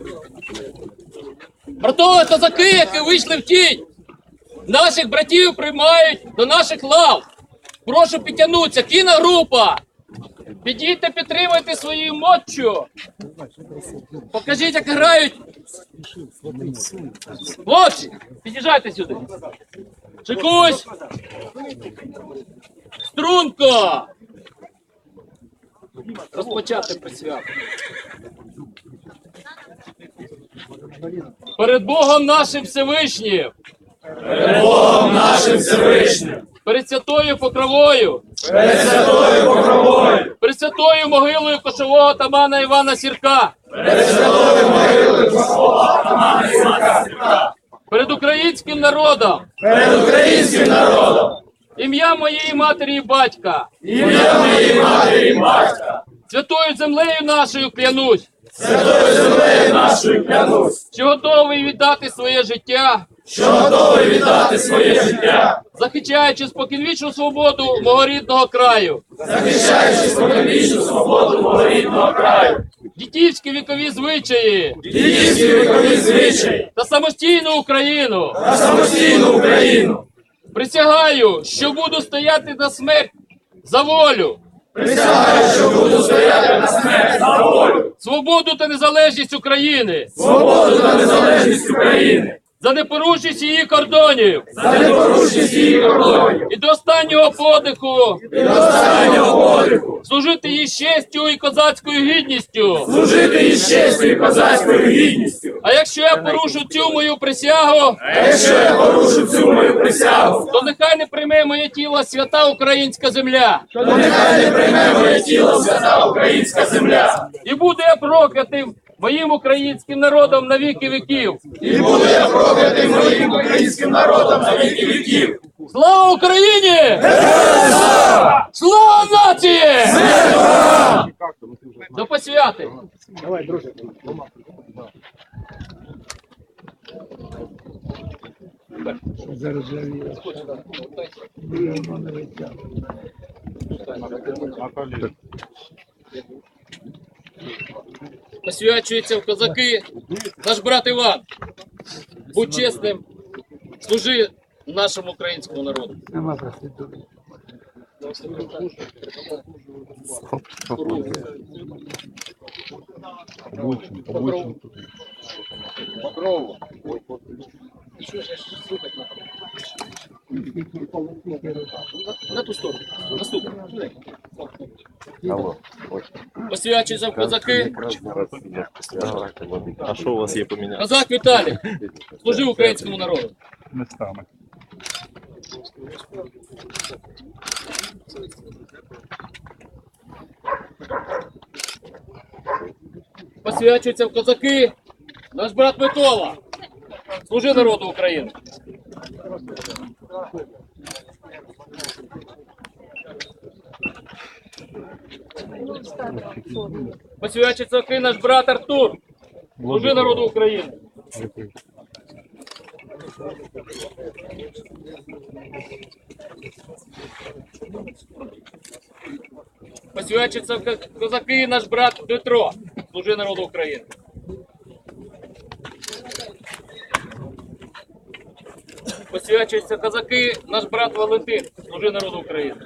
Братове козаки, які вийшли в тінь, наших братів приймають до наших лав. Прошу підтягнутися, кіногрупа. Підійте, підтримайте своєю моччю. Покажіть, як грають. Хлопці, під'їжджайте сюди. Шикусь. Струнко. Розпочати присвяту. Перед Богом нашим Всевишнім. Перед Богом нашим Всевишнім. Перед святою Покровою. Перед святою Покровою. Перед святою могилою кошового атамана Івана Сірка. Перед святою могилою кошового атамана Івана Сірка. Перед українським народом. Перед українським народом. Ім'я моєї матері і батька. Ім'я моєї матері і батька. Святою землею нашою клянусь. Святою землею нашою клянусь. Що готовий віддати своє життя. Що готовий віддати своє життя. Захищаючи споконвічну свободу мого рідного краю. Захищаючи споконвічну свободу мого рідного краю. Дідівські вікові звичаї. Дідівські вікові звичаї. Та самостійну Україну. Та самостійну Україну. Присягаю, що буду стояти на смерть за волю. Присягаю, що буду стояти на смерть за волю. Свободу та незалежність України. Свободу та незалежність України. За непорушність її кордонів. За непорушність її кордонів. І до останнього подиху. І до останнього подиху. Служити їй з честю і козацькою гідністю. Служити їй з честю і козацькою гідністю. А якщо я порушу цю мою присягу, А якщо я порушу цю мою присягу, то нехай не прийме моє тіло свята українська земля. то нехай не прийме моє тіло свята українська земля. І буду я проклятим моїм українським народом на віки віків. І буду я проклятий моїм українським народом на віки віків. Слава Україні! Слава нації! До посвяти! Давай, друже. Заржавіє. Воно не витягне. Посвячується в козаки наш брат Іван. Будь чесним, служи нашому українському народу. Нема проститутки. Покрову. Що ж слухати на ту сторону. Наступну. Посвячується в козаки. А що у вас є поміняти? Козак Віталій. Служи українському народу. Местами. Посвячується в козаки наш брат Микола. Служи народу України. Посвячується в козаки наш брат Артур. Служи народу України. Посвячується в козаки наш брат Дмитро. Служи народу України. Посвячується козаки наш брат Валентин. Служи народу України.